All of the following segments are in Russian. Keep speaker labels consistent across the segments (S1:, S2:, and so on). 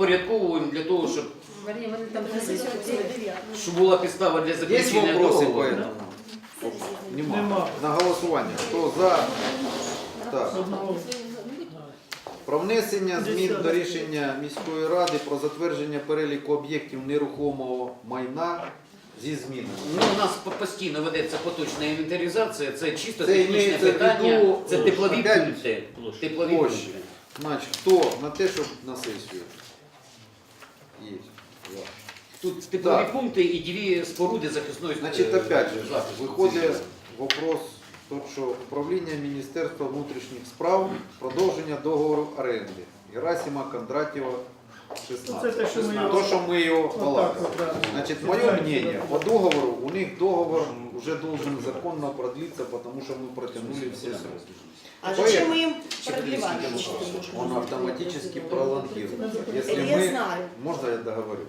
S1: підпорядковуємо для того, щоб була підстава для
S2: Есть
S1: заключення
S2: вопросы по
S1: договору.
S2: этому? Нема. На голосування. Хто за? Так. Про внесення змін до рішення міської ради про затвердження переліку об'єктів нерухомого майна зі змінами.
S1: Ну, у нас постійно ведеться поточна інвентаризація, це чисто
S2: Це
S1: технічне
S2: імеється в
S1: питання,
S2: виду,
S1: це теплові
S2: опять
S1: пункти. Теплові
S2: площі.
S1: пункти.
S2: Значить, хто на те, щоб на сесію? Є. Два.
S1: Тут теплові
S2: Так.
S1: пункти і дві споруди захисної
S2: Значить, опять же,
S1: захисту.
S2: виходить вопрос, що управління Міністерства внутрішніх справ, продовження договору оренди. Герасима Кондратєва, 16.
S3: Це те, що ми його-
S2: То, що ми його
S3: Отак
S2: балакали.
S3: от, да.
S2: Значит, мое мнение, по договору, у них договор уже должен законно продлиться, потому что мы протянули все сроки.
S4: А зачем мы им продлевать?
S2: Он автоматически пролонгирует. Если
S4: Я
S2: мы...
S4: знаю.
S2: Можно я договорю?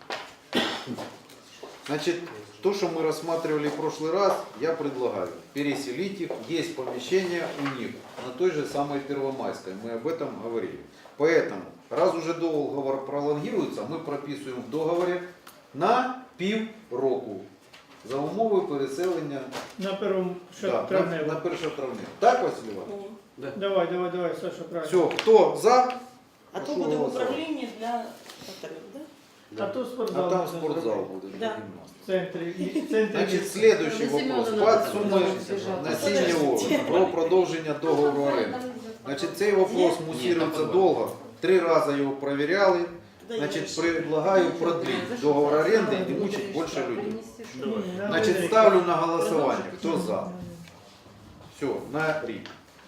S2: Значит, то, что мы рассматривали в прошлый раз, я предлагаю переселить их. Есть помещение у них на той же самой Первомайской. Мы об этом говорили. Поэтому, раз уже договор пролонгируется, мы прописываем в договоре на півроку за умови переселення
S3: На первому
S2: да, на
S3: травневому.
S2: 1 травня. Так, Василь Іванович?
S3: Давай, Саша, правильно.
S2: Все, хто за?
S4: А то
S2: Прошу
S4: буде
S2: голосувати.
S4: управління для повторюю, да?
S3: А то
S2: А
S3: спортзал.
S2: там
S3: можна
S2: спортзал
S3: зробити.
S2: буде.
S4: Да.
S3: В центрі.
S2: Значит, следующий вопрос. Под суммой насіння овочів про продовження договору оренди. Значит, цей вопрос мусируется долго. 3 раза его проверяли. Значит, предлагаю продлить договор аренды и не мучить больше людей. Значит, ставлю на голосование. Кто за? Все, на рік.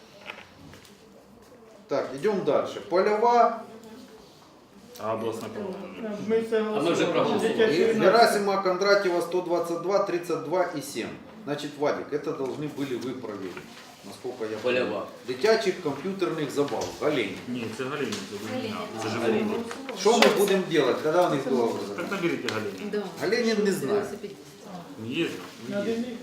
S2: Так, идем дальше. Полева.
S5: А областная программа?
S3: Ми це
S1: А ми вже проголосували.
S3: Дитячий юнацький.
S2: Герасима Кондратьева 122, 32 и 7. Значит, Вадик, это должны были вы проверить. Насколько я понял.
S1: Полева.
S2: Дитячих комп'ютерних забав. Олень.
S5: Ні, це Галіна, це Галіна. Це живий.
S2: Что мы будем делать, когда у них договор
S5: Так
S2: закінчиться?
S5: наберите Галіну.
S2: Галенин не знает.
S5: Не їздив.
S3: На один рік.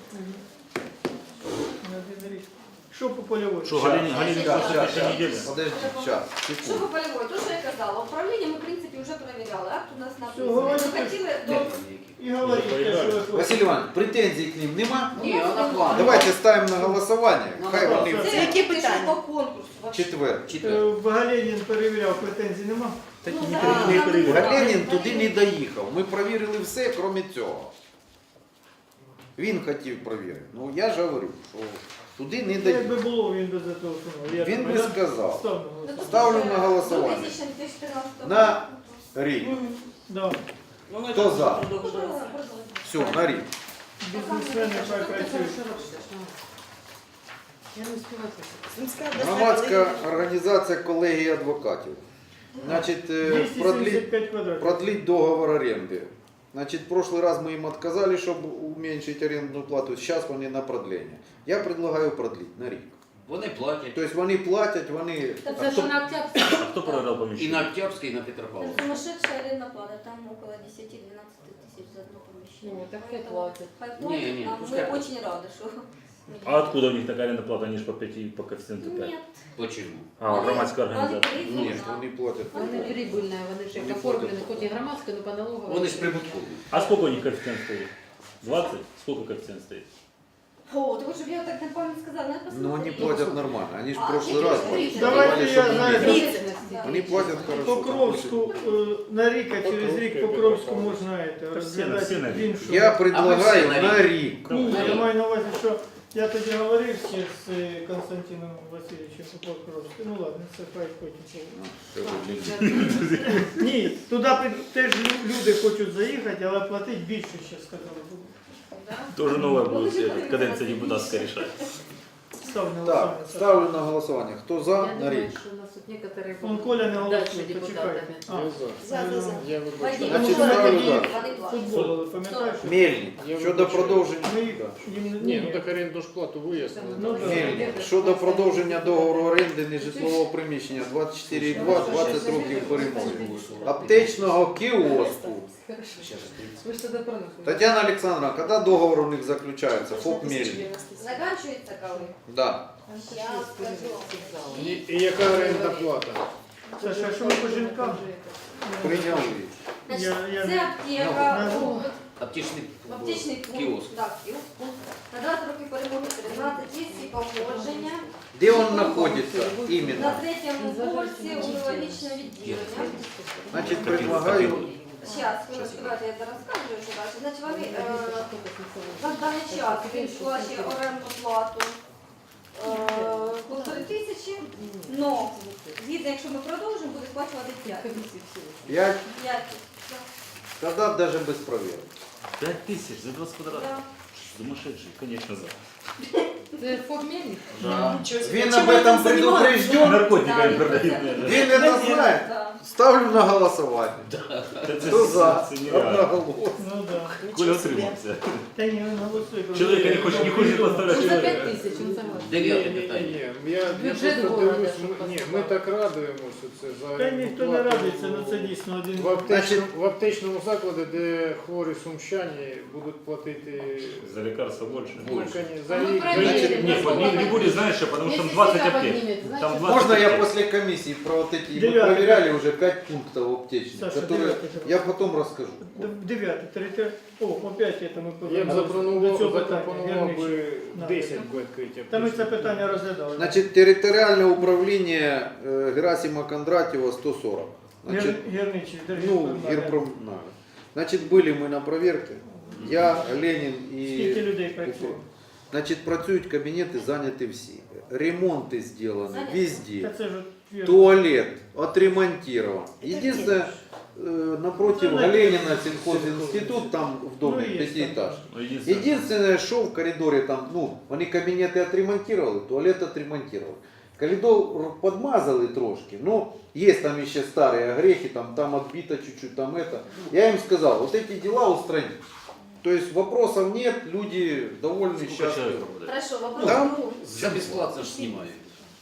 S3: На один рік. Що по польовій?
S5: Що, Галіні
S2: Щас,
S5: просто
S2: щас,
S5: п'яти неділі?
S2: Подожди, сейчас,
S6: Що по
S2: секунду.
S6: полевой? То, що я казала, управління ми, в принципі, вже перевіряли. Акт у нас написаний.
S3: говорите.
S6: Ми хотіли до...
S3: І говоріть те, що ви хочете.
S2: Василь Иванович, претензий к ним нема?
S1: Ні, вона план.
S2: Давайте ставим на голосование. Хай
S3: голосування.
S2: вони
S6: Це
S4: Які
S6: які
S4: питання?
S6: по конкурсу. вообще.
S2: четвер.
S3: Галенін перевіряв, претензій нема?
S5: Так
S6: Ну,
S5: і
S6: да,
S5: не
S6: там
S5: перевіряли.
S2: Галенін туди не доїхав. Ми перевірили все, крім цього. Він хотів перевірити. Ну я ж говорю, що туди не
S3: Якби
S2: доїхав.
S3: було, він би за того сумав.
S2: Він би сказав.
S3: Став на голосування.
S2: Ставлю на голосування.
S6: 2014
S2: На рік.
S3: Да.
S4: Ну, ми
S2: Хто
S4: так
S2: за?
S4: продовжуємо.
S2: Все, на рік.
S3: Бізнесмени хай працюють.
S4: Сумська обласна
S2: Громадська
S4: колегія.
S2: організація колегії адвокатів. Значить, продлить
S3: 275 квадратів.
S2: продлить договор аренды. Значит, в прошлый раз мы им отказали, чтобы уменьшить арендную плату. Сейчас они на продление. Я предлагаю продлить на рік.
S1: Вони платять.
S2: То есть вони платять, вони...
S6: Це що на Октябрьській.
S5: А хто проиграл
S1: І
S5: поміщення?
S1: на Октябрьській, і на Петропавловській.
S6: Сумасшедшая арендная плата, там около 10-12 тысяч за одно помещение.
S7: Так хай платят.
S6: Хай
S1: Не,
S6: платят,
S1: не,
S6: а
S1: пускай
S6: мы
S1: платят.
S6: очень рады, что...
S5: А откуда у них такая арендная плата? Они же по 5, по коэффициенту 5.
S6: Нет.
S1: Почему?
S5: А, громадська організація.
S2: Ні, вони платять.
S7: Вони прибыльні, вони ж як оформлені, хоч і громадська, але по налоговій.
S1: Вони ж прибуткові.
S5: А сколько у них коэффициент стоит? 20? Сколько коэффициент стоит?
S6: О, так чтобы я так на память сказала, надо посмотреть.
S2: Но они платят нормально. Они же в
S6: А,
S2: прошлый раз
S6: смотрите,
S3: давайте
S2: давали,
S3: я
S2: чтобы
S3: знаю,
S2: уменьшить.
S6: Да.
S2: Они платят хорошо.
S3: Покровську на рік, а через рік Покровську можна розглядати
S5: всі на рік.
S3: іншу.
S2: Я
S1: А ми
S2: предлагаю
S1: всі на
S2: на рік.
S3: Ні, я маю на увазі, що я тоді говорив ще з Константином Васильовичем по Покровську. Ну ладно, це хай потім. Ні, туди теж люди хочуть заїхати, але платити більше, ще сказали.
S5: Тоже новое будет, каденция депутатская решает.
S3: Став на
S2: Так,
S3: голосування.
S2: ставлю на голосование. Кто за,
S7: Я
S2: на
S7: думаю,
S2: рік.
S7: що у нас тут некоторые
S3: Он Коля не голосує,
S7: дальше
S3: почекайте.
S7: депутатами.
S4: За.
S6: Вадим,
S2: Значить,
S6: ну,
S2: ставлю
S6: Вадим,
S2: за.
S6: Вадим,
S3: Футбол, пам'ятаєш?
S2: Мельник. Щодо продовження.
S3: Ми
S2: Да.
S3: їм
S8: Ні, ну так оренду ж плату вияснили.
S3: Ну, да.
S2: Мельник. Щодо продовження договору оренди нежитлового приміщення 24,2, 20 років перемоги. Аптечного кіоску.
S7: Ви ж тоді продовжуєте.
S2: Татьяна Александровна, когда договор у них заключается? ФОП Мельник.
S6: Заканчивается коли?
S2: Да.
S6: Я скажу.
S8: І яка орендна плата?
S3: Саша, а що ви по жінкам?
S2: Прийняли.
S6: Значить,
S3: Я-
S6: це аптека,
S1: Аптечний
S6: аптечний пункт,
S1: кіоск.
S6: так, кіоск. На 20 років перемоги 13 всі походження.
S2: Де він знаходиться
S6: На
S2: іменно?
S6: 3-му поверсі урологічне відділення.
S2: Значить, предлагаю,
S6: Зараз, давайте я зараз скажу, що далі. Значить, вони на даний час він сплачує орендну плату 1500, але згідно, якщо ми продовжимо, буде сплачувати 5.
S2: 5,
S6: 5.
S2: тоді навіть без проверки.
S5: 5000 за 20 квадратов.
S6: Да.
S5: Сумасшедший, конечно, за.
S7: Це формельник?
S2: Він об этом предупрежден,
S5: Наркотиками
S6: Да,
S5: продают.
S2: він це знає.
S6: Да.
S2: Ставлю на голосування. Хто за?
S5: Це нереально.
S2: Одноголосно.
S3: Ну да.
S5: Коля отримався.
S3: Та ні, він голосує.
S5: Чоловіка не хоче поставити.
S7: Ну, за 5000, він согласен.
S1: 9
S8: Ні,
S1: питання.
S8: я
S7: Бюджет
S8: просто
S7: города,
S8: дивлюсь,
S7: щоб
S8: ми
S7: поставити.
S8: так радуємося це за
S3: Та ніхто не радується, ну це дійсно один.
S8: в аптечному закладі, де хворі сумщані будуть платити
S5: За лекарства больше.
S8: за
S7: Ну,
S8: лік.
S7: проверили.
S5: Не будет, знаешь, потому что там
S7: Если
S5: 20
S7: себя
S5: аптек.
S7: поднимет, значит,
S5: Там 20
S2: Можно я
S5: аптек.
S2: после комиссии про вот эти, мы
S3: Девятый.
S2: проверяли уже 5 пунктов аптечных,
S3: Саша,
S2: которые
S3: девятый.
S2: я потом расскажу.
S3: 9, 3, о, опять это ми
S8: Я б
S3: до цього питання.
S8: запропонував
S3: Герничі.
S8: би 10 відкриття.
S3: Та ми це питання розглядали.
S2: Значит, территориальное управление Герасима Кондратьева 140. Значит,
S3: Герничі,
S2: ну, Герпромнадо. Значит, были мы на проверке. Я, Ленин
S3: Скільки
S2: и...
S3: людей працює?
S2: Значит, працюють кабінети, зайняті всі. Ремонти зроблені
S6: Заняті.
S2: везде.
S3: Та це ж от
S2: Туалет отремонтирован. Единственное, напротив
S3: Ну,
S2: Галенина сельхозинститут, там в доме
S3: Ну, есть
S2: пятиэтажный.
S5: Ну, единственное,
S2: Единственное, что в коридоре там, ну, они кабинеты отремонтировали, туалет отремонтировали. Коридор подмазали трошки, но есть там еще старые огрехи, там отбито чуть-чуть, там это. Я им сказал, вот эти дела устранить. То есть вопросов нет, люди довольны,
S5: сколько
S2: счастливы.
S5: человек попадает?
S6: Хорошо, вопрос
S2: Там
S6: другой.
S1: За бесплатно ж знімають.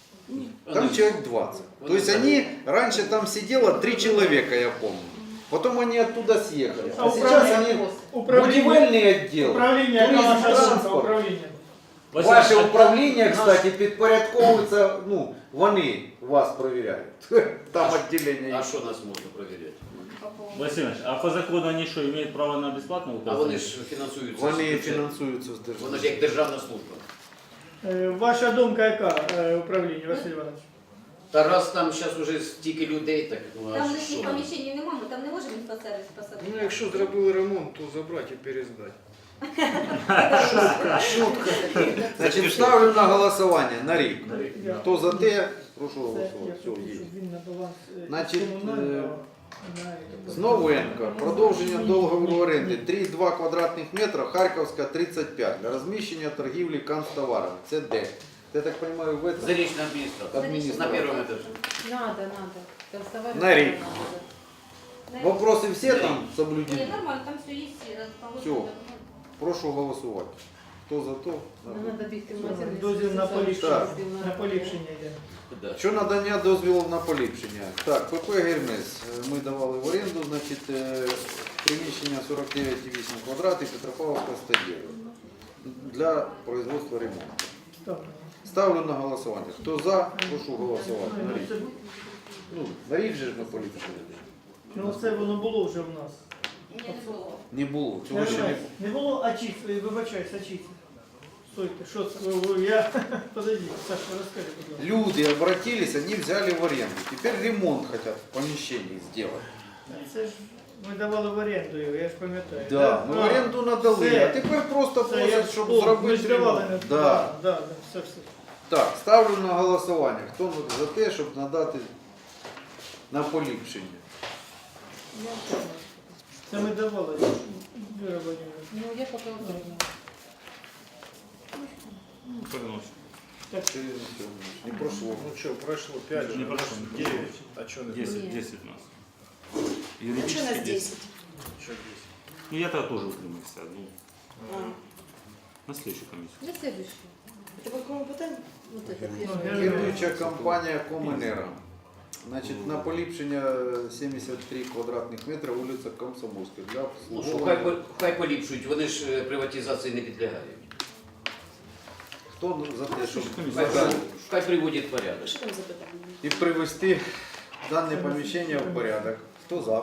S2: Там человек 20. То есть они, раньше там сидело 3 человека, я помню. Потом они оттуда съехали.
S3: А
S2: А сейчас они будівельный отдел,
S3: Управління, яка
S2: туризм,
S3: ваша думка,
S2: транспорт.
S3: управління.
S5: Василий,
S2: Ваше
S5: а-
S2: управління, кстати, підпорядковується, ну, вони вас перевіряють. Там відділення
S1: А
S2: є.
S1: що нас можна перевіряти?
S5: Василий Иванович, а по закону они что, имеют право на бесплатное
S1: А
S5: указание?
S1: вони ж фінансуються.
S2: Вони
S1: з бюджету.
S2: фінансуються з
S1: Воно
S2: держави.
S1: ж як державна служба.
S3: Ваша думка яка, управління, Василь Іванович?
S1: Та раз там зараз уже стільки людей, так ну,
S6: Там
S1: а
S6: лишніх
S1: що?
S6: поміщень немає, ми там не можемо інфосервіс посадити.
S8: Ну, якщо зробили ремонт, то забрати і перездати.
S2: Значить, ставлю на голосування на рік.
S3: Я-
S2: Хто за те, прошу
S3: Це
S2: голосувати.
S3: я
S2: Все,
S3: хочу,
S2: є.
S3: щоб він на баланс
S2: Значить,
S3: комунального, на-
S2: Зновенко, продовження договору оренди 3,2 квадратних метра, Харківська 35, для розміщення торгівлі канцтоварами. Це де? Я так розумію, в этом?
S1: Зарічна адміністрація.
S2: Адміністрація.
S1: На першому етажі.
S7: Надо, надо. Констовать
S2: На рік.
S7: надо.
S2: Вопроси всі там
S6: Ні,
S2: соблюдені?
S6: нормально, там все є,
S2: Всё. Прошу голосувати. Хто за то?
S7: Нам надо бігти в магазин.
S3: Дозвіл на поліпшення.
S2: Так.
S3: На поліпшення йде.
S1: Да.
S2: Що надання дозволу на поліпшення? Так, ПП «Гермес» ми давали в оренду, значить, приміщення 49,8 квадратів, Петропавловська 109 для производства ремонту.
S3: Так.
S2: Ставлю на голосування. Хто за, прошу голосувати. На
S3: Ну,
S2: рік.
S3: це-
S2: Ну, на рік же ж ми поліпшили.
S3: Ну це воно було вже в нас.
S6: Ні, не було.
S2: Не було, цього ще не було.
S3: Не було ачіц, вибачайся, ачіц. Стойте, що це? Я... Подожди, Саша, розкажи, будь ласка.
S2: Люди обратились, они взяли в аренду. Теперь ремонт хотят в помещении сделать.
S3: Це ж ми давали в оренду його, я ж пам'ятаю.
S2: Да, ми в оренду надали,
S3: Це-
S2: а тепер просто
S3: Це я
S2: просять, щоб
S3: ми ж
S2: зробити
S3: давали.
S2: ремонт.
S3: Да,
S2: Да.
S3: да, все.
S2: Так, ставлю на голосування. Хто за те, щоб надати на поліпшення?
S3: Це ми давали. Віра Владимировна.
S7: Ну, я пока уточню.
S3: Так,
S2: Не прошло.
S8: Ну що, пройшло 5,
S5: Не прошло.
S8: 9. А чого не
S5: 10,
S7: Нет.
S5: 10 у нас.
S4: А что у
S5: Юридически
S4: нас
S5: 10.
S4: 10?
S8: Що 10?
S5: Ну я тогда тоже утримався. Ну,
S4: А,
S5: на следующую комиссию.
S7: На следующий.
S4: это по какому питанию?
S7: Вот это
S3: Ну,
S7: первое.
S3: я-
S2: Керуюча компанія Коменера. Значить, на поліпшення 73 квадратних метри вулиця Комсомольська для
S1: Ну, що,
S2: обслуговування.
S1: хай поліпшують, вони ж приватизації не підлягають.
S2: Хто за те, щоб
S1: Хай,
S2: надати
S1: хай приводять в порядок.
S4: Что там за питание?
S2: і привести дане помещение в порядок. Кто за?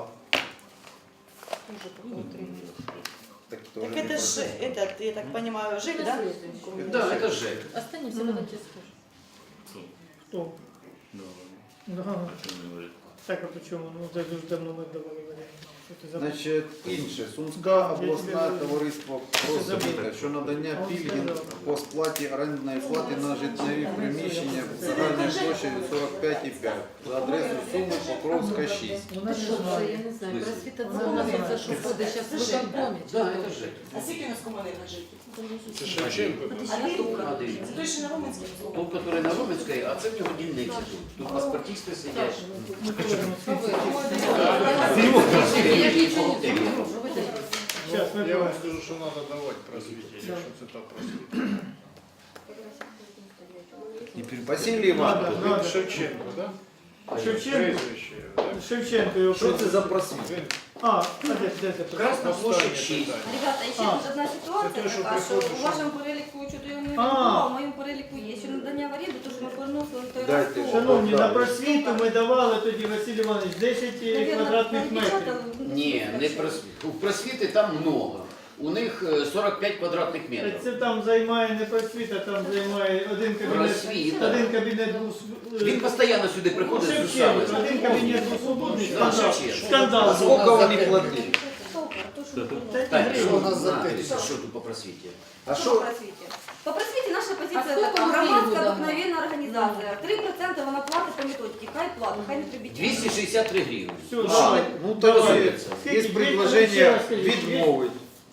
S2: Так, тоже
S4: Так
S2: не
S4: это же,
S2: против.
S4: этот, я так понимаю, ЖИК, да?
S1: Да, это ЖЭК.
S7: Останемся, потом тебе скажу.
S3: Кто? Да. Так, а почему? Ну, це дуже давно ми давали варіант. Що ти забув?
S2: Значить, інше. Сумська
S3: Да,
S2: обласне
S3: я тебе
S2: товариство
S3: забув.
S2: просвіта, що надання
S3: Он
S2: пільги
S3: сказав.
S2: по сплаті орендної плати на житлові приміщення загальною площею 45,5 за адресою Суми Покровська 6.
S3: Вона
S7: Ти
S3: не
S7: що, це,
S3: знає.
S7: я не знаю, просвіта це у нас це що ходить зараз в виконкомі. чи
S1: Да,
S7: хто?
S1: это ЖЭК.
S4: А скільки у нас комунальних ЖИКів?
S8: Це Шевченко.
S1: А дивіться.
S4: Це той, що на Роменській.
S1: Тот, который на Роменской, а це в нього дільниці тут. Тут паспортисти сидять.
S3: Ми повернемо світ.
S7: Я ж нічого не знаю.
S3: Щас, ми
S8: Я вам
S3: повернемо.
S8: скажу, що треба давати просвіті, якщо це так просвіті.
S2: Василій Іванович,
S3: Надо.
S8: Шевченко, так?
S3: Шевченко?
S8: Прізвище, так?
S3: Шевченко його
S2: що це
S3: просить.
S2: за просвіт?
S8: Він
S3: А, де це?
S1: Красна площадь 6.
S6: Ребята, ще
S3: А.
S6: тут одна ситуація
S8: Це те, що
S6: така, що
S8: приходиш,
S6: у вашому переліку чого його не
S3: А.
S6: відбувало, а в моєму переліку є. Що надання в оренду, то що ми переносили на той раз.
S2: Дайте.
S6: то-
S3: Шановні, на просвіту ми давали тоді, Василь Іванович, 10
S6: Навірно,
S3: квадратних
S6: там
S3: метрів.
S6: печатали,
S1: Ні, не у просвіти там много. У них 45 квадратних метрів.
S3: Це там займає не просвіта, там займає один кабінет.
S1: Просвіта.
S3: Один кабінет був
S1: Він постійно сюди приходить з
S3: Шевченко,
S1: усами.
S3: один кабінет був свободний,
S1: Да,
S3: скандал.
S1: Шевченко.
S3: Скандал.
S2: А скільки вони платили?
S1: Так, що
S2: Що
S1: у
S2: нас
S1: нас
S2: за те?
S1: Що тут по просвіті?
S2: А
S6: Що
S2: що?
S6: по просвіті? По просвіті наша
S7: А
S6: позиція
S7: скільки
S6: така,
S7: ми
S6: громадська
S7: гривень
S6: обикновенна організація. 3% вона платить по методиці, хай платить, хай не прибіть.
S1: 263 гривні.
S3: Все,
S2: А,
S3: давай.
S2: ну
S3: Давай.
S2: так є предложення відмовити.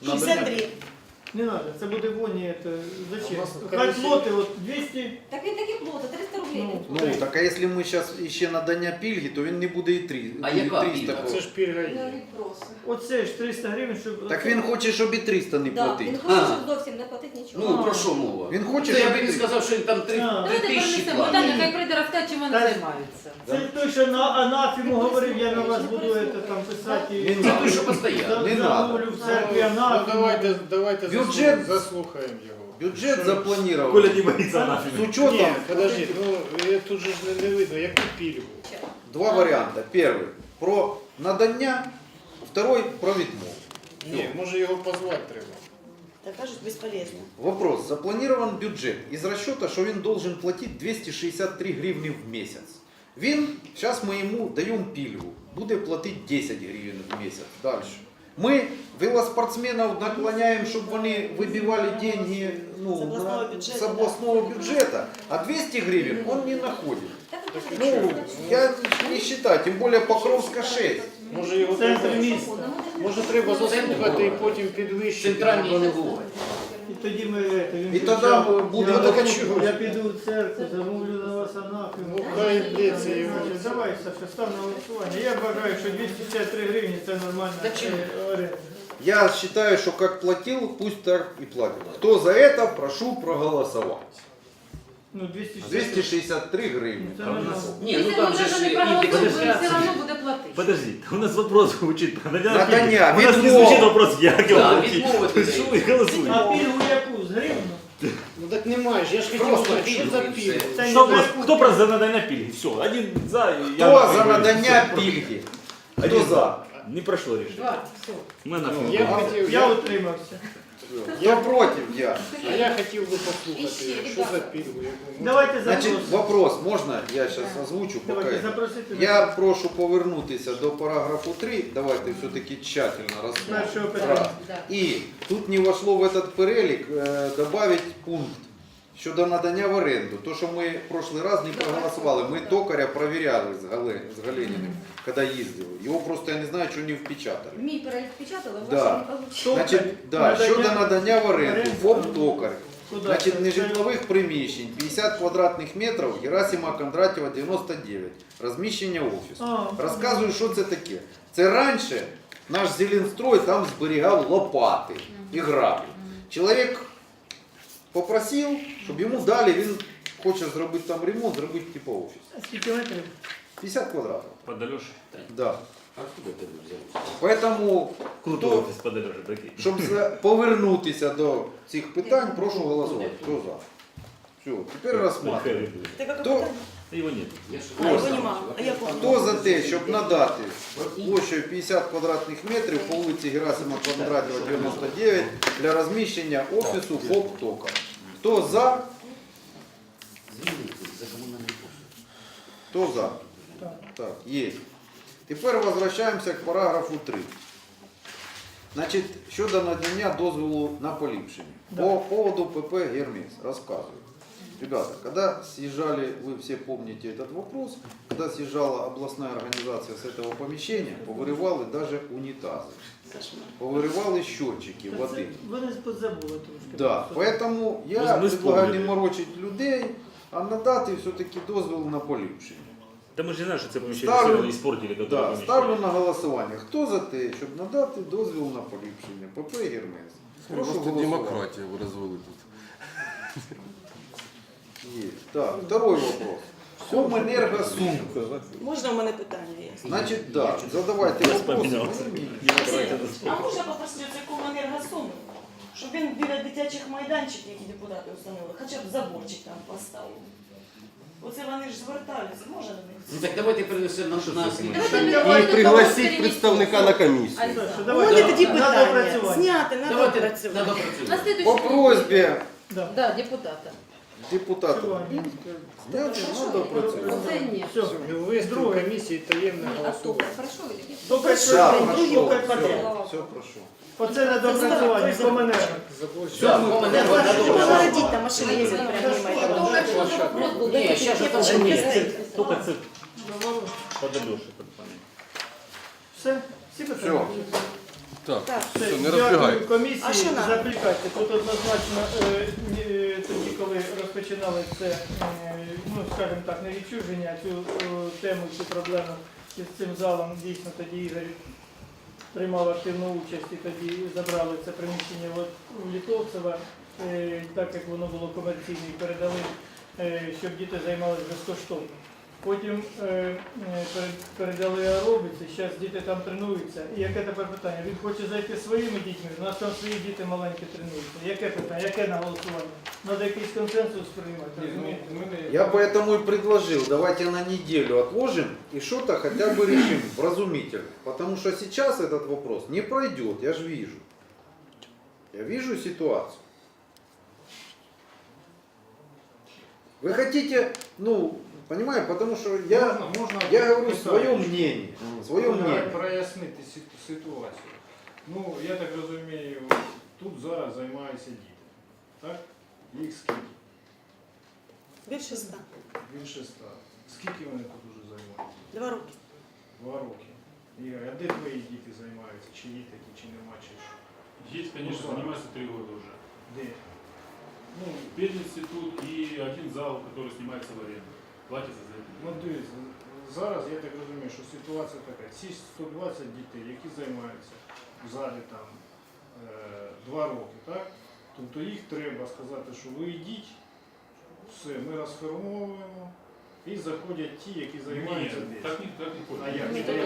S4: 63.
S3: Не надо, це буде воні, це зачем?
S8: У нас
S3: Хай
S8: комісія-
S3: плоти, от 200,
S6: Так він такі плоти, 300 рублей.
S3: Ну,
S2: Ну, так а якщо ми зараз ще надання пільги, то він не буде і 3.
S1: А яка пільга?
S8: А це ж пільга
S6: Ну,
S8: є.
S6: він просить.
S3: оце ж 300 гривень, щоб...
S2: Так він хоче, щоб і 300 не
S6: Да,
S2: платити.
S6: він хоче,
S1: А.
S6: щоб зовсім не платити нічого.
S1: Ну, про що мова?
S2: Він хоче,
S1: Це я
S2: щоб
S1: би не
S2: і
S1: сказав, що він там 3
S3: А.
S7: Давайте
S1: тисячі
S7: перенесемо
S1: платить.
S7: питання, хай прийде розкаже, чим вони
S3: Та-
S7: займаються.
S3: Це той, що на анафіму говорив, я на вас буду це там писати.
S2: Не
S1: Це той, що постійно.
S2: Не
S3: Замовлю в церкві
S8: Ну,
S3: анафіму.
S8: давайте
S2: Бюджет-
S8: заслухаємо його.
S2: Бюджет
S8: Що-
S2: запланирован.
S5: Коля не боится нафиг.
S2: З
S8: Ні,
S2: учетом
S8: подожди, ну тут же ж не видно, яку пільгу.
S2: два варіанти. Перший про надання, второй про відмову.
S8: Ні, може його позвати треба.
S4: Так кажуть, безполезно.
S2: Вопрос. Запланирован бюджет із расчета, що він должен платити 263 гривні в місяць. Він, зараз ми йому даємо пільгу, буде платити 10 гривень в місяць. Далі. Ми велоспортсменів наклоняємо, щоб вони вибивали деньги ну,
S4: З обласного бюджету,
S2: з обласного бюджету, а 200 гривень він не знаходить.
S6: Так, так,
S2: Ну, я не считаю, тим більше Покровська 6.
S8: Може його
S3: Центр
S8: треба,
S3: міста.
S8: може треба заслухати і потім підвищити.
S1: Центральні не буває.
S3: І тоді ми він
S2: І тоді
S3: кричав,
S2: буде
S3: я-
S2: така
S3: Я піду в церкву, замовлю на вас анафіму.
S8: Ну, хай йдеться його.
S3: Давай, Саша, став на голосування. Я вважаю, що 263 гривні це нормальна
S1: Та чим?
S3: оренда.
S2: Я считаю, что как платил, пусть так и платит. Кто за это, прошу проголосовать.
S3: Ну, 263.
S2: 263 гривны.
S3: Це нормально.
S1: Ні, ну
S7: Якщо
S1: там
S7: ми
S1: же
S7: навіть
S1: ж
S7: не проголосуємо, він все
S1: індексація.
S7: одно буде платити.
S5: Подожди, у нас вопрос звучит.
S2: Надання,
S5: У нас не
S2: відмова.
S5: звучит вопрос, як його
S1: Да,
S5: платити.
S1: відмовити
S5: Що
S1: дають.
S5: ви голосуєте?
S3: А пільгу яку? З гривну?
S8: Ну так немає ж, я ж хотів
S1: Просто
S8: знати, що за
S1: пільгу і
S8: пільгу.
S1: все.
S3: Це
S5: Хто
S3: не
S5: просто-
S3: за
S5: Хто просто за надання пільги? Все, один за. і я
S2: Кто
S5: нафіг
S2: за
S5: говорю,
S2: надання
S5: все.
S2: пільги? Кто
S5: Один
S2: за?
S5: Не пройшло рішення.
S7: Два, все.
S5: Ми нафіг.
S8: Я хотів,
S3: Я утримався.
S2: Кто против? Я.
S8: а я хотів би
S6: І
S8: послухати,
S6: ще,
S8: що за
S6: ребята.
S8: пільгу. яку-
S3: Давайте
S2: Значит,
S3: запросимо.
S2: вопрос, можно я сейчас озвучу? Пока
S3: Давайте
S2: это?
S3: запросити.
S2: Я прошу повернутися до параграфу 3. Давайте все-таки тщательно
S3: Першого
S2: рассмотрим.
S3: питання.
S2: Раз.
S7: Да.
S2: І тут не вошло в этот перелік добавить пункт щодо надання в оренду. То, що ми в прошлый раз не проголосували, ми токаря перевіряли з Галиніним, коли їздили. Його просто, я не знаю, що не впечатали.
S6: Мій перелік печатали,
S2: Да.
S6: ваше не вийшло.
S2: Значить, да, щодо надання в оренду, ФОП токар.
S3: Куди?
S2: Значить,
S3: Це-
S2: нежитлових приміщень 50 квадратних метрів, Герасима Кондратєва 99, розміщення офісу.
S3: А,
S2: Розказую, що це таке. Це раніше наш Зеленстрой там зберігав лопати і граблі. Чоловік попросив, щоб йому дали, він хоче зробити там ремонт, зробити типу офіс.
S3: А скільки метрів?
S2: 50 квадратів.
S5: Под Альошей.
S2: Да.
S1: А откуда ти взяв?
S2: Поэтому,
S5: Круто
S2: хто,
S5: офіс под Альошей, прикинь.
S2: щоб повернутися до цих питань, прошу голосувати. Хто за? Все, теперь рассматриваем.
S4: Ты как
S2: Кто?
S5: Его нет.
S4: А, его нема. А я помню.
S2: Хто за те, щоб надати площею 50 квадратних метрів по вулиці Герасима Кондратєва, 99 для розміщення офісу ФОП «Тока»? Хто за?
S1: За комунальні послуги.
S2: Хто за? Так, є. Тепер возвращаємося к параграфу 3. Значить, щодо надання дозволу на поліпшення.
S3: Да.
S2: По поводу ПП «Гермес» рассказываю. Ребята, когда съезжали, вы все помните этот вопрос, когда съезжала областная организация с этого помещения, повырывали даже унитазы, повырывали счетчики воды.
S3: Вони забули трошки.
S2: Да, поэтому я
S5: Мы
S2: предлагаю
S5: вспомнили.
S2: не морочить людей, а надати все-таки дозвіл на поліпшення.
S5: Да мы же знаем, что это помещение
S2: Ставлю-
S5: все равно испортили, которое
S2: Да,
S5: помещение.
S2: ставлю на голосування. Хто за те, щоб надати дозвіл на поліпшення? ПП «Гермес». Прошу
S9: Просто
S2: голосувати.
S9: демократія ви розвели тут.
S2: Есть. Так, второй вопрос. Комэнергосум.
S4: Можна у мене питання є?
S2: Значит, да, задавайте
S5: Я
S2: вопросы.
S5: вспоминался.
S4: А можна попросити цей Комуненергосум, щоб він біля дитячих майданчиків, які депутати установили, хоча б заборчик там поставив? Оце вони ж звертаються, може до них?
S1: Ну так давайте перенесемо на
S7: Давайте
S9: І пригласіть представника на комісію.
S3: Саша,
S4: От
S3: давайте
S4: тоді
S3: на
S4: питання.
S3: доопрацювання.
S4: Зняти на
S1: Давайте
S4: допрацювання.
S1: надо
S7: На
S1: працювати.
S7: следующий
S2: По просьбе
S3: Да.
S7: Да, депутата.
S2: депутата.
S3: Працювання.
S2: Сняти надо працювати.
S7: Оце ні.
S3: Все.
S8: Ввести в
S3: Друге.
S8: комісії таємне голосування.
S7: Хорошо или нет?
S3: Тільки
S2: Да,
S3: що,
S2: прошу.
S3: тільки
S2: Все,
S3: подряд.
S2: все, прошу.
S3: Оце на доопрацювання, Комуненерго.
S1: Все, комуненерго
S4: Треба
S1: надо працювати.
S4: огородити, там машини їздять прямо мимо этого.
S7: Только что вопрос был.
S1: Ні, ще ж
S4: Я
S1: це
S4: почему
S1: ні.
S4: стоит?
S5: Только цифр подойдешь, это понятно.
S3: Все? Всі питання?
S9: Так,
S4: Так.
S3: Все,
S9: все, не
S3: дякую
S9: розбігай.
S4: А
S3: комісії
S4: що
S3: за
S4: нам?
S3: аплікацію. Тут однозначно тоді, коли розпочинали це, ну скажімо так, не відчуження, цю тему, цю проблему з цим залом, дійсно тоді Ігор приймав активну участь і тоді забрали це приміщення у Літовцева, так як воно було комерційне, і передали, щоб діти займалися безкоштовно. Потім передали аеробіці, зараз діти там тренуються. І яке тепер питання? Він хоче зайти своїми дітьми, у нас там свої діти маленькі тренуються. Яке питання? Яке на голосування? Треба якийсь консенсус приймати, розумієте?
S2: Я поэтому и предложил, давайте на неделю отложим и что-то хотя бы решим вразумительно. Потому что сейчас этот вопрос не пройдет, я же вижу. Я вижу ситуацию. Вы хотите, ну, понимаете, потому что я говорю свое мнение. Свое мнение.
S8: Прояснити ситуацію. Ну, я так розумію, тут зараз займаються діти. Так? Їх скільки?
S4: Більше 100.
S8: Більше 100. Скільки вони тут уже займаються?
S4: 2 роки.
S8: 2 роки. Ігор, а де твої діти займаються? Чи є такі, чи нема, чи що?
S10: Есть, конечно, занимается 3 года уже.
S8: Де?
S10: Ну, пединститут и один зал, который снимается в аренду. Платится за это.
S8: Ну, дивіться, зараз я так розумію, що ситуація така. Ці 120 дітей, які займаються в залі там 2 роки, так? Тобто їх треба сказати, що ви йдіть, все, ми розформовуємо, і заходять ті, які займаються
S10: Нет,
S8: десь.
S10: так не ходит.
S8: А як?
S3: Ні,
S8: Та як?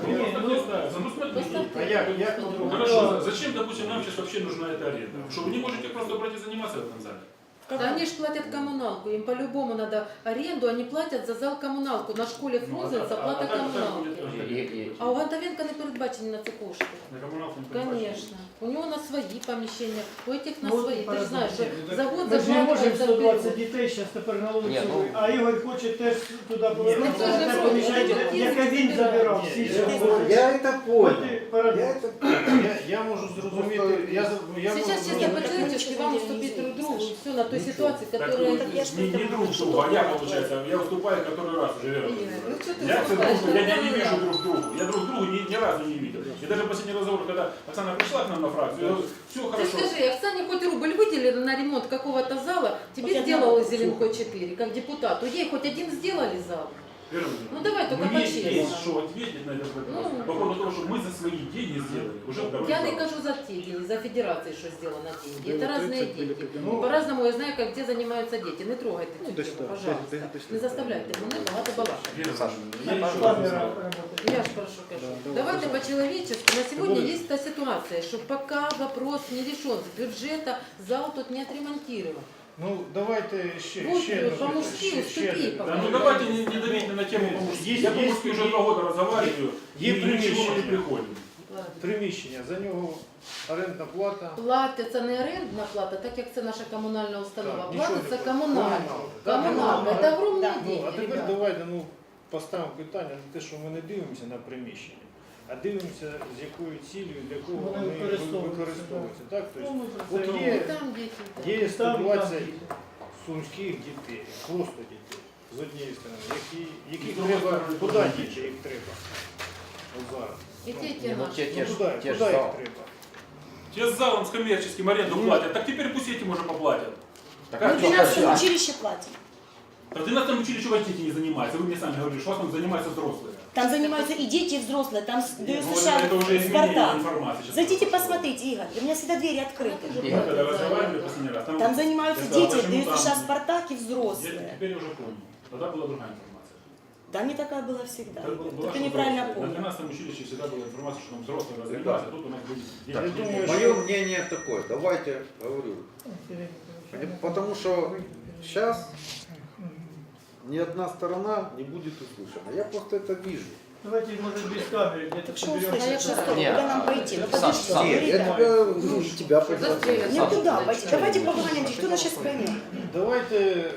S10: Ну, смотри.
S8: А як
S10: Ну,
S8: по-другому?
S10: хорошо, зачем, допустим, нам сейчас вообще нужна эта аренда? Что вы не можете просто брать и заниматься в этом зале?
S7: Да они же платят коммуналку, им по-любому надо аренду, они платят за зал коммуналку. На школе Фрунзе заплата коммуналки. А у Гантовенка не передбачені на це кошти.
S10: На коммуналку не передбачено.
S7: Конечно. У него на свои помещения, у этих на
S3: Ну,
S7: свои. Ты же знаешь, что
S3: по-разному.
S7: за год
S3: Ми ж не можемо
S7: закладывается
S3: 120
S7: вперед.
S3: дітей зараз тепер на вулицю,
S1: Ні, ну-
S3: а Ігор хоче теж туди повернутися,
S7: Ну, це
S3: на
S7: ж
S3: те
S7: не
S3: поміщення,
S7: можна.
S3: яке він забирав.
S8: Ні,
S3: всі
S8: ні,
S3: ці
S8: ні.
S3: роки.
S2: Я это понял.
S3: Парадокс.
S2: Я это
S8: Я можу зрозуміти, я
S7: Сейчас
S8: можу
S7: чисто
S8: зрозуміти.
S7: по-человечески вам уступить друг другу и все на той ситуации,
S10: Так,
S7: которая
S4: Так я
S7: есть.
S4: ж
S10: не друг другу, а я, получается, я уступаю который раз уже верю.
S7: Ну что ты
S10: Я,
S7: выступаешь?
S10: не вижу друг другу. Я друг другу ни разу не видел. И даже последний разговор, когда Оксана пришла к нам на фракцию, я говорю, все
S7: Ты
S10: хорошо.
S7: скажи, Оксане хоть рубль выделили на ремонт какого-то зала, тебе
S4: Хоть
S7: сделала
S4: одного.
S7: Зеленко 4, как депутату. Ей хоть один сделали зал.
S10: Вера
S7: Ну
S10: Владимировна,
S7: давай только
S10: мне есть
S7: по-честному.
S10: что ответить на этот вопрос.
S7: Ну.
S10: По поводу того, что мы за свои деньги сделали уже второй
S7: Я не
S10: зал.
S7: кажу за те деньги, за федерацией, что сделано деньги. Это разные деньги.
S8: Ну,
S7: По-разному я знаю, как где занимаются дети. Не трогайте цю тему, пожалуйста. Не заставляйте мене багато балакати.
S10: Вера Владимировна, я еще раз
S3: Камера
S10: знаю.
S3: працює.
S7: Я ж прошу кажу. Давайте по-человечески. На сегодня есть та ситуация, что пока вопрос не решен, с бюджета зал тут не отремонтирован.
S8: Ну, давайте ще
S7: Вот,
S8: одне
S7: по-мужски
S8: питання,
S7: уступи,
S8: одне
S7: пока.
S10: Да, ну давайте не давите на тему по-мужски. Я по-мужски уже 2 года разговариваю, и
S8: Є
S10: ни к чему
S8: приміщення.
S10: не приходим.
S8: приміщення, за нього орендна плата.
S7: Платиться не орендна плата, так як це наша комунальна установа.
S8: Так, нічого
S7: Платиться
S8: не
S7: комунальна.
S8: Так,
S7: Комунальна. Це огромні
S4: Да.
S8: Ну, а
S7: деньги,
S8: тепер
S7: ребята.
S8: давайте поставимо питання на те, що ми не дивимося на приміщення, а дивимося, з якою цілею, для кого
S3: Вони
S8: вони
S3: використовуються,
S8: використовуються. Так? Тобто,
S3: Ну, ми
S8: от
S3: про це
S8: є,
S7: І там діти.
S8: є
S3: Там,
S8: 120
S3: там.
S8: сумських дітей, просто дітей, з однієї сторони, яких
S10: З другої
S8: треба,
S10: сторони,
S8: куди
S10: дуже
S8: діти їх треба? От зараз.
S7: І ті
S1: Ну,
S7: наші.
S1: те ж-
S8: Куди
S1: те
S8: їх
S1: ж зал.
S8: треба?
S10: Те с залом, с коммерческим аренду платят, так теперь пусть этим уже поплатят.
S1: Так,
S10: Как
S4: Мы в 12 училище платим.
S10: В 12 училище у вас дети не занимаются. Вы мне сами говорили, что у вас там занимаются взрослые.
S4: Там занимаются и дети, и взрослые. Там
S10: Ну,
S4: США,
S10: это уже изменение
S4: Спартак.
S10: информации. сейчас
S4: Зайдите
S10: происходит.
S4: посмотрите, Игорь. У меня всегда двери открыты.
S10: Мы когда разговаривали последний раз,
S4: Там занимаются
S10: я сказал,
S4: дети,
S10: почему там-
S4: США, Спартак и
S10: Я
S4: взрослые.
S10: теперь уже помню. Тогда была другая информация.
S4: Да, не такая была всегда.
S10: Так была,
S4: Только
S10: что
S4: неправильно
S10: взрослые. На
S4: понял.
S10: 12 училище всегда была информация, что там взрослые разговариваются, а тут у нас были дети.
S2: Так,
S8: Я думаю,
S2: мое мнение такое, давайте говорю. Потому что сейчас ни одна сторона не будет услышана. Я просто это вижу.
S3: Давайте, может, без камеры где-то
S4: Так что
S3: соберемся.
S4: услышать, что стоп,
S1: Нет.
S4: куда нам пойти? Ну
S1: Сам,
S4: подожди,
S1: сам.
S2: Нет, я
S4: ребята.
S2: тебя, ну, и тебя позвал.
S7: Застрелят.
S4: Никуда
S7: Сам.
S4: пойти. Давайте поговорим, кто нас сейчас поймет.
S8: Давайте,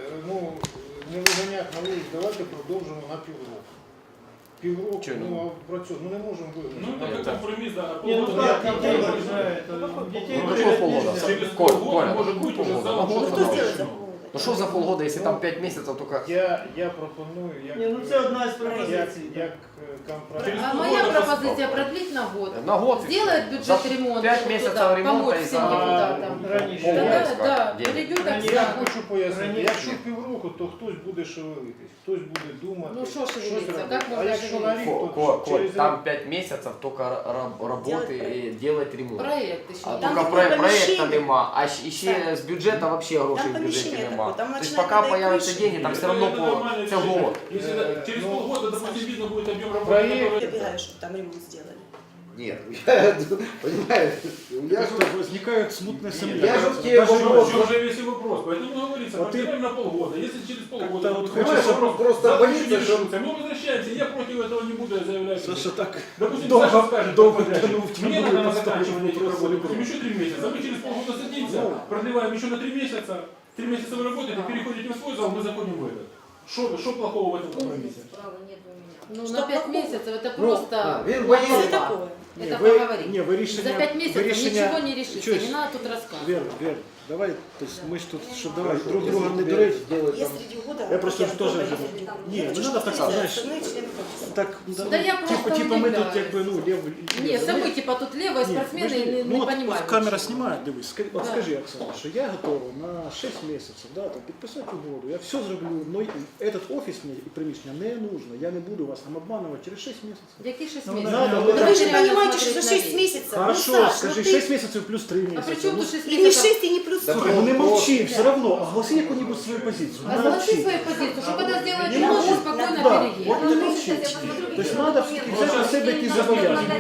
S8: не виганяти на вулицю, давайте продовжимо на півроку. Півроку,
S1: Чого не
S8: а працюємо, ну не можемо
S10: Ну,
S8: вигнати.
S10: это как компромисс, да.
S3: Не, ну
S10: полгода.
S3: как, детей выезжают, детей
S10: Ну,
S3: выезжать
S1: полгода?
S3: нельзя.
S10: Через
S1: Коль,
S10: полгода,
S1: Коля,
S10: может быть, уже
S1: полгода.
S10: залом
S1: Ну,
S4: Ну
S10: что-то
S4: кто сделает за
S10: начнем.
S4: полгода?
S1: Ну що за полгода, якщо там 5 місяців, тільки...
S8: Я пропоную, як,
S3: Не, ну це одна з пропозицій.
S8: як компроміс.
S7: А моя пропозиция продлить на год.
S1: На год.
S7: Сделает бюджет ремонт.
S1: 5 месяцев
S7: туда,
S1: ремонта
S7: помочь
S1: и
S7: всем
S1: за-
S7: депутатам.
S3: Раніше.
S7: Тогда, да,
S1: Денег.
S7: перейдет так
S8: Я
S7: сразу.
S8: хочу пояснити,
S3: Раніше.
S8: якщо півроку, то хтось буде шевелитись, хтось буде думати,
S7: Ну, що
S8: щось
S7: шевелиться?
S8: робити.
S7: Як
S8: А
S7: можна
S8: якщо на рік, то
S1: Коль,
S8: через
S1: там 5 месяцев только работы и делать ремонт.
S7: Проект еще.
S1: А
S7: не
S4: Там
S1: только
S4: такое
S1: проекта
S4: помещение.
S1: нема, а ще
S4: Так.
S1: з бюджету вообще грошей
S4: Там
S1: в бюджеті
S4: помещение
S1: нема.
S4: такое, там
S1: Тобто
S4: ночная
S1: поки
S4: вода и
S1: появляться
S4: крыша.
S1: деньги, там все равно
S10: Это
S1: по
S10: нормальное
S1: це
S10: решение.
S1: год.
S10: Если через
S8: ну,
S10: полгода, допустим, видно будет объем работы,
S8: проект-
S10: который...
S4: Ты бегаешь, чтобы там ремонт сделали.
S2: Нет, я, понимаешь, я что,
S11: возникают смутные
S2: я
S11: сомнения.
S2: же в тебе
S10: В
S2: вопрос.
S10: чем же весь и вопрос? Поэтому говорится,
S11: Вот
S10: продлеваем на полгода. Если через полгода...
S11: Как-то вот
S10: будет
S2: хочется
S10: вопрос,
S2: просто
S10: завтра
S2: боится,
S10: еще не
S2: что-
S10: решится. Мы возвращаемся, я против этого не буду, я заявляю.
S11: Саша так
S10: Допустим,
S11: долго-
S10: Саша скажет,
S11: долго
S10: подрядчик,
S11: тянул в
S10: мне
S11: тянул
S10: надо на
S11: и
S10: заканчивание этих
S11: вопрос
S10: работ,
S11: или
S10: допустим, еще 3 месяца. Мы через полгода садимся, продлеваем еще на 3 месяца. 3 месяца вы работаете, переходите в свой зал, мы заходим в этот. Что плохого в этом компромиссе?
S6: Права нет у меня.
S7: Ну,
S4: Что
S7: на 5
S4: плохого?
S7: месяцев это
S2: Ну,
S7: просто...
S2: він
S4: Что
S2: боїться.
S4: такое?
S7: Это
S11: вы,
S7: поговорить.
S11: не, вы решение,
S7: За 5
S11: вы
S7: месяцев
S11: решение-
S7: ничего не решится,
S11: Чуть.
S7: не надо тут рассказывать.
S11: Вер, давай, то есть мы ж тут, что давай
S2: Хорошо,
S11: друг друга
S2: если
S11: не
S2: тебе
S11: дурить.
S2: сделать
S4: Я
S2: там-
S4: среди года...
S11: Я просто
S4: я
S11: же тоже
S4: дома
S11: живу.
S4: ездила.
S11: Не,
S4: Я
S11: ну
S4: хочу,
S11: надо
S4: чтобы
S11: так,
S4: все
S11: знаешь,
S4: остальные члены комиссии.
S11: Так,
S7: Да я просто
S11: типа мы тут
S7: удивляюсь.
S11: как бы, ну, левый.
S7: Нет, мы типа тут левые спортсмены и не,
S11: ну, вот,
S7: понимаем.
S11: вот камера
S7: ничего.
S11: снимает, дивись, от
S7: Да.
S11: скажи, Оксана, що я готова на 6 місяців, да, там, підписати угоду, я все зроблю, но этот офис мені і приміщення не нужно, я не буду вас там обманывать через 6 місяців.
S7: Какие 6
S3: Ну,
S7: месяцев?
S3: надо,
S7: Ну,
S3: да
S4: Да вы же
S7: реально
S4: понимаете, что
S7: смотреть
S4: за
S7: на
S4: 6
S7: вещи.
S4: месяцев,
S11: Хорошо,
S4: ну, Саш,
S11: скажи
S4: ну ты...
S11: 6 місяців плюс 3
S7: А
S11: місяці.
S7: при чем
S11: Ну,
S7: тут 6
S4: И не
S7: месяцев?
S4: 6, и не плюс
S2: Да
S4: 40.
S11: слухай, ну не
S2: вопрос-
S11: молчи, все равно, огласи яку-нибудь свою позицию.
S7: А согласи свою позицию, что когда сделают
S11: Не
S7: ремонт,
S11: молчи.
S7: спокойно
S11: Да,
S7: переедем.
S11: вот не молчи. То есть надо все-таки взять на себе якісь зобов'язання.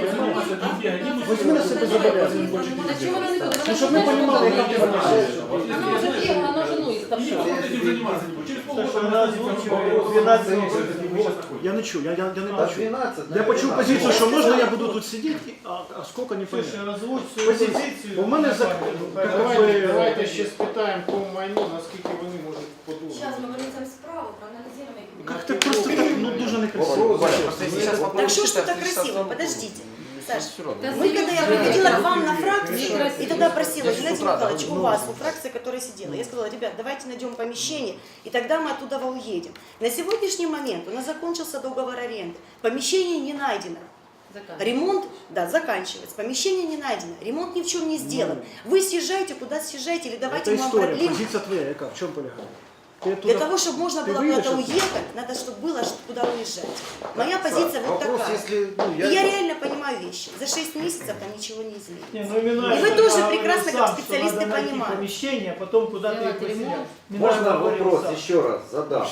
S11: Возьми на себе зобов'язання.
S7: А чего она не будет?
S11: Ну, щоб ми розуміли, яка ти вона.
S7: Она уже бегала, она жену
S10: И
S7: истопила.
S10: никто этим заниматься не будет. Через полгода
S3: Саша,
S10: мы
S3: она
S10: озвучиваем
S3: озвучивает
S10: вопрос,
S3: 12
S10: который
S3: месяцев.
S10: мы сейчас находимся.
S11: Я не чую, я не
S2: До
S11: бачу.
S2: 12,
S11: Я почув
S2: наверное.
S11: позицію, що
S4: Я
S11: можна я
S4: сказала,
S11: буду
S4: ну.
S11: тут сидіти, а скільки не понятно.
S3: Слушай, озвучь свою
S11: Позицію.
S3: позицию.
S11: Бо в мене за...
S8: Давайте ще спитаємо по майну, наскільки вони можуть подумати.
S6: Сейчас мы вынесем справу, проанализируем. и-
S11: Как ты просто так, ну дуже некрасиво.
S2: Вопрос.
S1: Просто если сейчас
S4: Так что ж тут так красиво? Подождите. Саш,
S7: Да
S4: мы когда я приходила к вам на фракцию,
S7: Некрасиво.
S4: и тогда просила,
S1: Здесь
S4: Геннадий
S1: с утра,
S4: Михайлович,
S1: да,
S4: у вас, у фракции, которая сидела, я сказала, ребят, давайте найдем помещение, и тогда мы оттуда уедем. На сегодняшний момент у нас закончился договор аренды, помещение не найдено.
S7: Заканчивай.
S4: Ремонт, да, заканчивается. Помещение не найдено. Ремонт ни в чем не сделан. Вы съезжаете, куда съезжаете, или давайте
S11: Это
S4: мы вам
S11: история,
S4: продлим.
S11: позиция твоя, яка, в чем полягает? Ты
S4: Для
S11: туда-
S4: того, чтобы можно
S11: ты
S4: было
S11: выйдешь
S4: куда-то
S11: оттуда?
S4: уехать, надо, чтобы было куда уезжать. Моя позиция вот
S2: Вопрос,
S4: такая.
S2: если, ну,
S4: И я реально понимаю вещи. За 6 месяцев там ничего не изменится.
S3: Не, ну, Минаев
S4: И вы тоже
S3: говорил
S4: прекрасно, как
S3: сам, что
S4: специалисты,
S3: надо найти
S4: понимаете.
S3: помещение, а потом куда-то
S7: Делать
S3: их поселять.
S7: ремонт.
S3: Минаев
S2: Можно
S3: говорил
S2: вопрос
S3: сам.
S2: еще раз задам?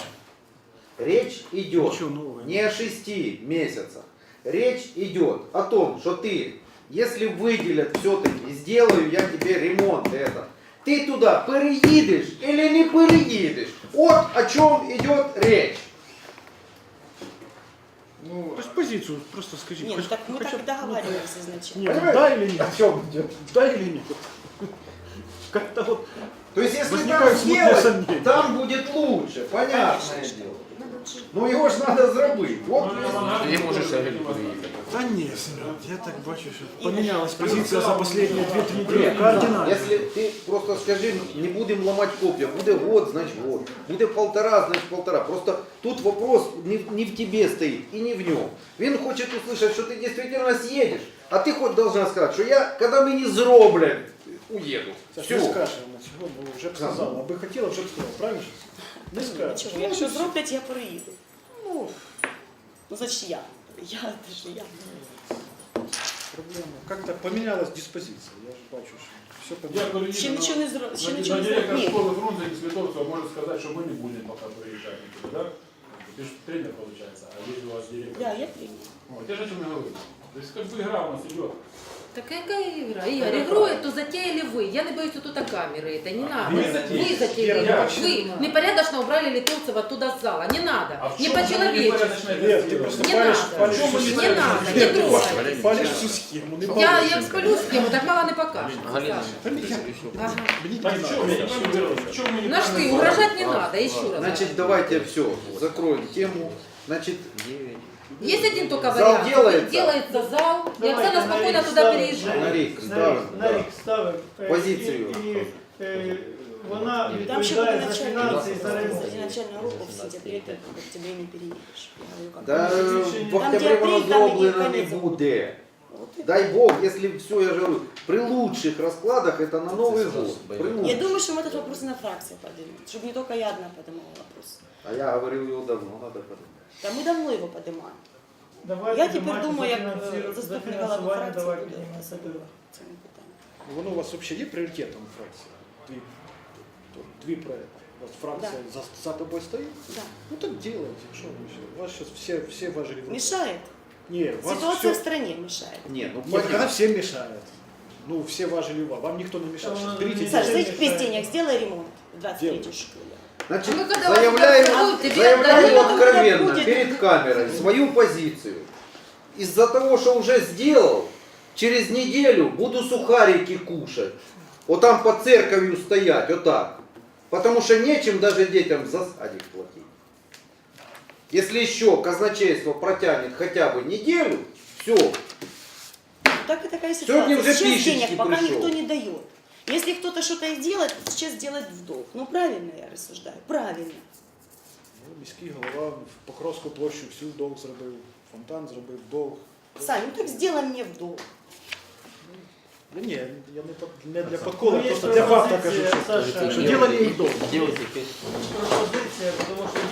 S2: Речь идет
S11: Ничего нового.
S2: не о 6 месяцах. Речь идет о том, что ты, если выделят все-таки, сделаю я тебе ремонт этот, Ти туди переїдеш або не переїдеш. От о чому йде річ.
S8: Ну,
S11: То есть позицию просто скажите.
S4: Нет, так мы так и договаривались изначально.
S11: Нет, да или нет?
S2: О чем идет?
S11: Да или нет? Как-то вот
S2: То есть, если там
S11: возникают смутные
S2: сделать,
S11: сомнения.
S2: там будет лучше, понятное дело. Ну его ж надо зробити. Вот
S1: Ти можеш взагалі переїхати.
S11: Да нет, Семен, я так бачу, что поменялась позиция за последние 2-3 недели кардинально.
S2: Если ты просто скажи, не будем ломать копья, буде год, значит год, буде полтора, значит полтора. Просто тут вопрос не в тебе стоит и не в нем. Він хочет услышать, что ты действительно съедешь, а ты хоть должна сказать, что я, когда мы не зроблять, уеду.
S11: Саш,
S2: Все.
S11: не скажешь на цього, бо вже б сказала. Аби хотіла, вже б сказала, правильно? Не скажеш.
S4: Нічого, якщо зроблять, я переїду. Ну, значить я. Це ж я.
S11: Проблема. Как-то поменялась диспозиция. Я же бачу, що все
S10: Я
S11: поменялось.
S10: перееду
S4: Ще нічого не зробили. Ще
S10: на
S4: нічого не
S10: директор
S4: зробили.
S10: школы Фрунзе из Литовцева может сказать, что мы не будем пока приезжать никуда, да? Ты же тренер получается, а если у вас директор?
S4: Да, я тренер.
S10: Вот, я же о чем и говорю. То есть как бы игра у нас идет.
S7: Так какая игра? Игорь, игру эту затеяли вы. Я не боюсь тут камеры, это не надо.
S10: Вы затеяли.
S7: Вы затеяли.
S10: Я
S7: Вы непорядочно убрали Литовцева оттуда с зала. Не надо.
S10: А в
S7: Не
S10: чем мы
S7: по-человечески.
S10: непорядочно это
S11: Нет, ты
S10: сделали?
S11: просто
S7: Не
S11: палишь,
S7: надо.
S11: палишь
S10: В чем мы
S11: всю
S10: не
S7: Не
S11: схему.
S7: надо, не
S11: Нет, ты
S7: трогай.
S11: палишь всю схему. Не
S7: Я
S11: палишь.
S7: сплю с кем, так мало не покажет.
S1: Галина,
S7: Ага.
S10: Так в чем? Я не понимаю, в чем мы
S7: Наш ты,
S10: неправильно
S7: угрожать не
S10: сделали?
S7: надо, еще раз.
S2: Значит, давайте все, закроем тему. Значит,
S7: Есть один только
S2: Зал
S7: вариант.
S2: делается?
S7: Делается зал, и
S3: Давайте
S7: Оксана
S3: на
S7: спокойно
S3: рік
S7: туда
S3: ставимо.
S7: переезжает.
S2: на рік ставимо.
S3: На рік ставимо.
S2: Позицію.
S3: І вона
S4: Там ще буде
S3: відповідає за фінанси і за ремонт.
S4: начальная руку в сентябре, ты в октябре не переедешь. Я говорю, как
S2: Да,
S3: Там,
S2: в октябре
S4: де
S2: воно
S4: апрель, там і
S2: зроблено не
S4: кінець
S2: буде.
S4: Вот и-
S2: Дай Бог, если все, я же говорю, при лучших раскладах это на Новый год. При
S4: Я
S2: лучших.
S4: думаю, что мы этот вопрос на фракции поднимем, чтобы не только я одна поднимала вопрос.
S2: А я говорил его давно, надо подумать.
S4: Да мы давно его поднимаем.
S3: Давайте
S4: Я тепер
S3: давайте
S4: думаю, як
S3: за
S4: заступник голови
S3: фінансування
S4: фракції
S3: давайте
S4: буде
S3: піднімемо це питання.
S4: цим питанням.
S11: Воно у вас вообще є пріоритетом в фракції? Дві проекти. У вас фракція за тобою стоїть?
S4: Да.
S11: Ну так делайте. Что вы еще? У вас сейчас все важили.
S4: Мешает.
S11: Не, у вас
S4: Ситуация в
S11: все...
S4: стране мешает.
S2: Не, ну
S11: Нет, когда
S2: понятно.
S11: всем мешает. Ну, все важили вам никто не мешает. Сейчас берите
S4: Саш,
S3: Ничего
S4: за
S3: не
S4: этих
S3: мешает.
S4: 5 денег сделай ремонт в 23-й
S11: Делаю.
S4: школе.
S2: Значит,
S7: А мы когда
S2: заявляю,
S7: вас тебе
S2: заявляю
S7: отдали,
S2: откровенно
S4: будет.
S2: перед камерой свою позицию. Из-за того, что уже сделал, через неделю буду сухарики кушать. Вот там под церковью стоять, вот так. Потому что нечем даже детям за садик платить. Если еще казначейство протянет хотя бы неделю, все.
S4: Так и такая
S2: Сегодня
S4: ситуация.
S2: уже
S4: Сейчас
S2: пишечки
S4: денег пока
S2: пришел.
S4: никто не дает. Если кто-то что-то и делает, сейчас делает в долг. Ну правильно я рассуждаю, правильно.
S11: Ну, міський голова в Покровську площу всю долг зробив, фонтан зробив долг.
S4: Сань, ну так сделай мне в долг.
S11: Да ні, я не для подкола,
S3: Ну, є
S11: просто для факта кажу,
S3: пропозиція,
S11: що
S3: Саша,
S11: що діло не в долг.
S1: делайте
S3: пропозиція, тому що